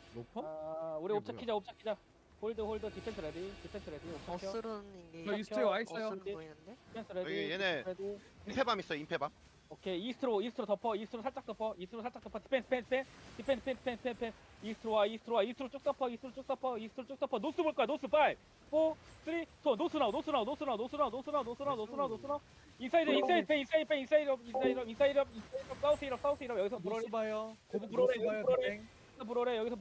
로퍼? 우리 이게 옵차 뭐야? 키자 옵차 키자. 홀드 디펜스 레디 옵차 켜. 어스른 저 이게 이스트에 와 있어요. 어스른 보이는데? 디펜스 레디. 여기 얘네 디펜스 레디. 임페밤 있어 임페밤. 오케이 이스트로 덮어 이스트로 살짝 덮어 디펜스 이스트로 쭉 덮어 노스 볼 거야 노스 5 4 3 2 노스 나우 인사이드 사우스 이럽 여기서 노스 봐요. 고북 불어래, 노스 봐요. 불어래. 땡. 여기서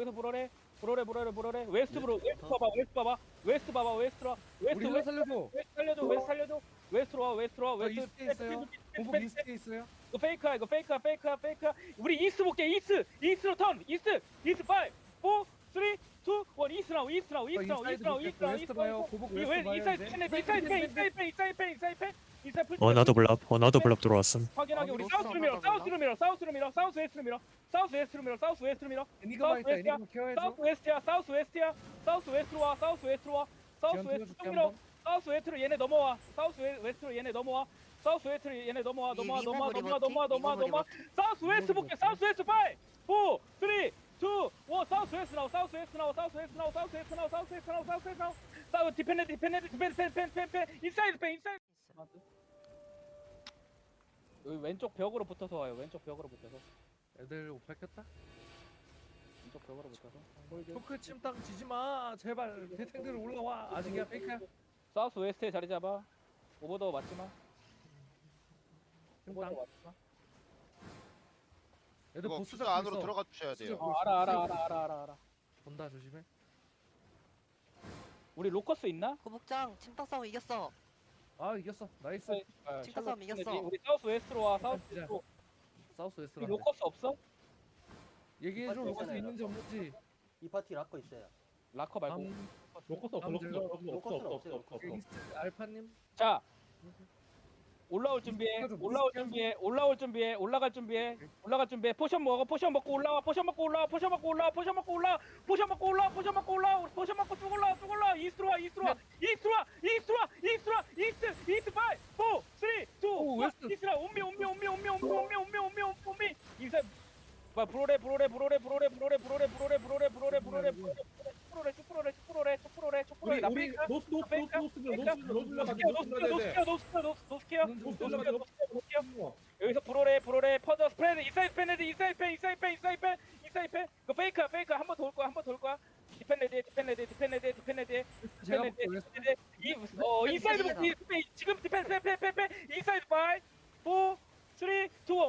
불어래 웨스트 봐봐 우리 힐러 살려줘. 웨스트로 와 저 이스트에 있어요. 고북 이스트에 있어요. 이거 페이크야 우리 이스트 볼게 이스트로 턴 이스트 5 4 3 2 1 이스트 나우 웨스트 봐요. 고북 웨스트 봐요. 이사이드 어나더 블랍 들어왔음. 확인하게 우리 노스 사우스로 밀어 사우스 웨스트로 밀어 애니그마 있다. 애니그마 케어해줘. 사우스 웨스트로 와 사우스 웨스트 쭉 밀어 사우스 웨스트로 얘네 넘어와 사우스 웨스트로 얘네 넘어와 사우스 웨스트 볼게 사우스 웨스트 5 4 3 2 1 사우스 웨스트 나우 사우스 디펜드 인사이드 여기 왼쪽 벽으로 붙어서 와요 애들 옷 밝혔다. 왼쪽 벽으로 붙어서 홀드 토크 침땅 지지 마. 제발 대탱들 올라와. 아직이야 페이크야. 사우스 웨스트에 자리 잡아 오버더 맞지마 침땅. 애들 이거 보스 수저 잡고 안으로 있어. 들어가 주셔야 돼요. 알아 본다 조심해. 우리 로커스 있나? 고북장 침탁 싸움 이겼어. 아 이겼어. 나이스. 진짜 싸움 이겼어. 우리 사우스 웨스트로 와 사우스 진짜. 웨스트로 사우스 우리 웨스트로. 로커스 없어? 얘기해줘. 로커스 있는지 없는지. 이 파티 락커 있어요. 라커 말고 로커스 로커스는 없어요. 이스트 알파님. 자 올라갈 준비해 올라갈 준비해 포션 먹고 올라와 포션 먹고 쭉 올라 이스트로 와 이스트 5 4 3 2 웨스트. 1 이스트라 옴미 인사 봐 브로레 우리 노스 여기서 브로레 퍼져 스프레드 인사이드 펜 그 페이크 한 번 돌 거야 디펜레디 제가 볼게. 웨스트. 인사이드 볼게 지금 디펜스 페 인사이드 5 4 3 2 1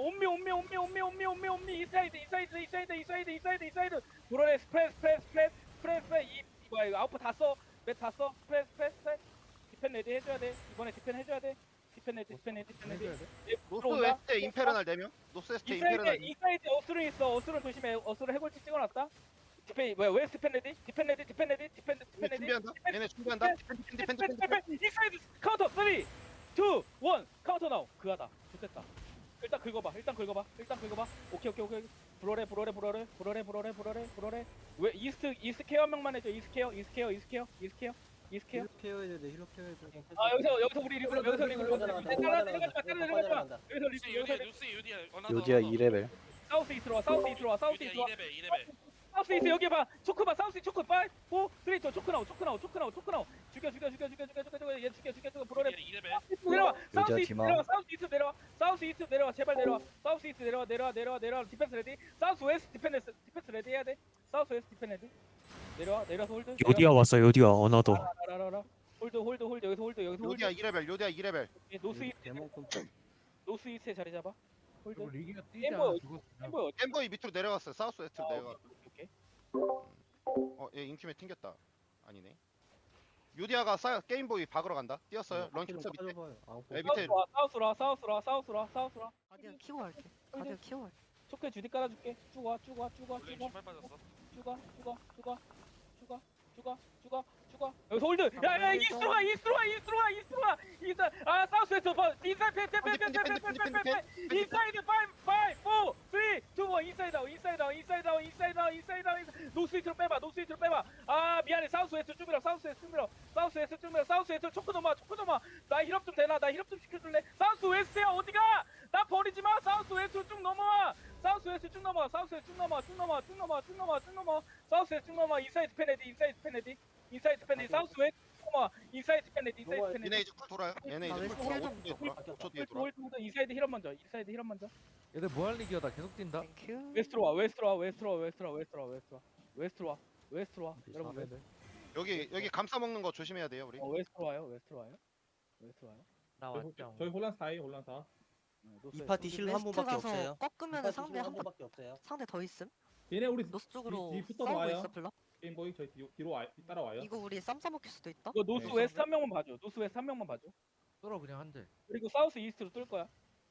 옴미 인사이드 브로레 스프레드 이거 아웃풋 맵 스프레드 디펜 레디 해줘야 돼 이번에 디펜 해줘야 돼 디펜 레디 해줘야 돼. 노스 웨스트에 임페르날 4명. 노스 웨스트에 임페르날. 이사이드 어스룬 있어 어스룬 조심해 어스룬 해골치 찍어놨다 디펜 웨스트 디펜 레디 준비한다. 얘네 준비한다. 디펜드. 인사이드 카운터 3 2 1 카운터 나우 그하다 좋겠다 일단 긁어봐 오케이 브로레 왜 이스트 케어 한 명만 해줘 이스트 케어 힐러 케어해야 돼. 힐러 케어해야 돼. 아 여기서 우리 리그룹 여기서 요디야 2레벨. 사우스 이스트로 와 사우스 이스트 여기 봐 초크 봐 사우스 초크 5 4 3 2 초크 나오 죽여 얘 죽여 브로레 내려와 사우스 이스트 내려와 제발 내려와 사우스 이스트 내려와 디펜스 레디 사우스 웨스트 디펜스 레디 해야 돼 사우스 웨스트 디펜스 레디 내려와서 홀드 요디아 왔어. 요디아 어나더. 알아 홀드 여기서 홀드 요디아 2레벨. 노스 이스트에 자리 잡아 홀드 그리고 리기가 뛰자. 엠버. 죽었어. 햄버거 엠버이 밑으로 내려갔어요. 사우스 웨스트로 내려가. 오케이 얘 인팀에 튕겼다. 아니네. 요디아가 게임보이 박으러 간다. 뛰었어요. 런치 밑에. 밑에 사우스라 가디언 키고 갈게. 가디언 키고 갈게. 초크에 주디 깔아줄게 쭉와 여기서 홀드 야야 이스트로 와 아 사우스 웨스트 인사이드 인사이드 5 4 3 2 1 인사이드 아웃 노스 이트로 빼봐 아 미안해 사우스 웨스트 쭉 밀어 사우스 웨스트 초크 넘어 나 힐업 좀 되나 나 힐업 좀 시켜줄래 사우스 웨스트야 어디가 나 버리지 마. 사우스 웨스트로 쭉 넘어와. 사우스 웨스트 쭉 넘어와. 사우스 웨스트 쭉 넘어와. 쭉 넘어와. 쭉 넘어와. 쭉 넘어와. 쭉 넘어와. 사우스 웨스트 쭉 넘어와. 인사이드 페네디. 인사이드 페네디. 인사이드 페네디. 사우스 웨스트 쭉 넘어와. 인사이드 페네디. 인사이드 얘네 페네디. 이제 쿨 돌아요. 얘네 아, 이제 웨스트 쿨 돌아. 힐 5초 뒤에 돌아. 5초 뒤에 돌아. 홀드 인사이드 힐업 먼저. 인사이드 힐업 먼저. 얘들 무한리기야 나 계속 뛴다. 땡큐. 웨스트로 와. 웨스트로 와. 웨스트로 와. 웨스트로 와. 웨스트로 와. 웨스트로 와. 웨스트로 와. 웨스트로 와. 여러분 웨스트. 여기 감싸 먹는 거 조심해야 돼요 우리. 웨스트로 와요. 웨스트로 와요. 웨스트로 와요. 나 왔죠. 저희 혼란 4위 혼란 4. 이 파티 힐 한 웨스트 번밖에 가서 없어요. 꺾으면 상대 한 번밖에 없어요. 상대 더 있음. 얘네 우리 노스 쪽으로 뒤 붙어서 싸우고 와요. 있어 블럭. 게임보이 저희 뒤로 따라와요. 이거 우리 쌈 싸먹힐 수도 있다. 이거 노스 네. 웨스트 한 명만 봐줘. 노스 웨스트 한 명만 봐줘. 뚫어 그냥 한 대. 그리고 사우스 이스트로 뚫을 거야.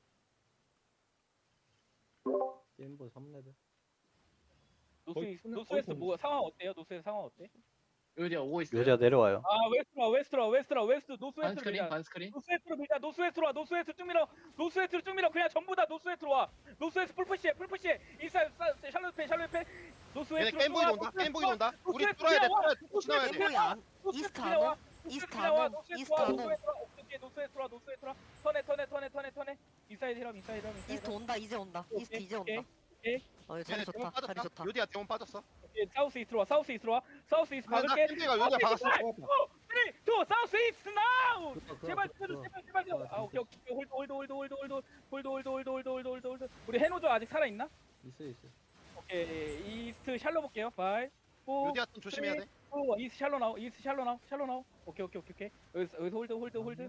게임보 3레벨. 거의 노스 거의 웨스트 본- 뭐 상황 어때요? 노스 웨스트 상황 어때? 요디야 오고 있어요. 요리가 내려와요. 아 웨스트로 웨스트 노스 웨스트로 반스크린 밀자. 반스크린. 노스 웨스트로 밀자. 노스 웨스트로 와. 노스 웨스트 쭉 밀어. 노스 웨스트로 쭉 밀어. 그냥 전부 다 노스 웨스트로 와. 노스 웨스트 풀푸시해. 인사이드 샬롯 패. 노스 얘네 웨스트로 게임보이 온다. 게임보이 온다. 우리 뚫어야 돼. 지나야 돼. 게임보이 안 이스트 안은 이스트 안은 이스트 안은 노스웨스트로 턴해. 인사이드 힐업. 이스트 온다 이제 온다. 이스트 이제 온다. 오케이. 어 자리 얘네 좋다. 대원 자리 빠졌다. 좋다. 요디야 대원 빠졌어. 사우스 이스트로 와. 사우스 이스트 박을게. 캠핑가 요디야 박았어. 3, 2, 사우스 이스트 나우. 제발. 아 오케이. 홀드. 우리 해노조 아직 살아 있나? 있어. 오케이. 이스트 샬로 볼게요. 5, 4, 요디야 좀 조심해야 돼. 이스트 샬로 나오. 오케이. 여기서 홀드.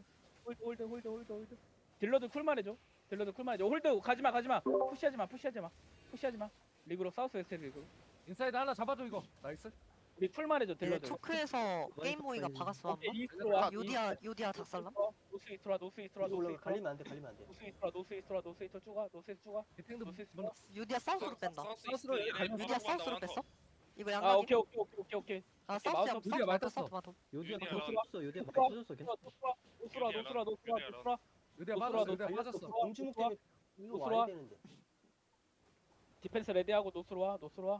딜러드 쿨만 해줘. 홀드 가지마. 푸시하지 마. 리그로 사우스 웨스트 리그로. 인사이드 하나 잡아줘 이거. 나이스. 우리 쿨만 해줘 네, 딜러드. 초크에서 게임보이가 박았어 오케이. 한번. 이스트로 와. 요디아 작살남. 노스 이스트로. 갈리면 안 돼. 갈리면 안 돼. 노스 이스트로 쭉 가. 디탱도 노스 이스트. 요디아 사우스로 뺀다. 사우스로 요디아 사우스로 뺐어? 이거 아 양각이. 오케이. 아 사우스야. 마우스 요디아 많이 사우스 떴어. 맞아. 요디아가 요디아. 터졌어. 요디아 많이 터졌어. 괜찮아. 노스라. 요디야 맞았어. 요디야 맞았어. 공주목 때문에 이거 노스로 와. 와야 되는데. 디펜스 레디하고 노스로 와.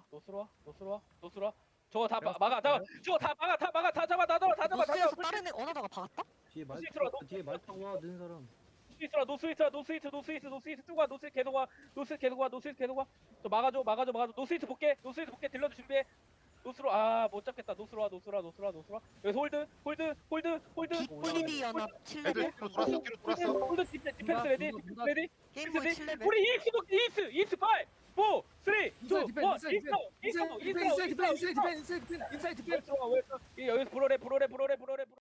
저거 다 막아. 저거 다 막아. 다 잡아. 노스에서 다른 애 어나다가 박았다? 뒤에 말 노스 있어라, 뒤에 말 타고 와 는 사람. 노스 이스트 쭉 와. 노스 계속 와. 저 막아줘. 노스 이스트 볼게. 딜러도 준비해. 노스로 못 잡겠다. 노스로 와. 여기서 홀드. BPD 연합 애들 7레벨. 뒤로 돌았어. 홀드 디펜스 레디. 게임보이 7레벨. 우리 이스트 5, 4, 3, 2, 1. 인사이드 디펜. 여기서 브로레.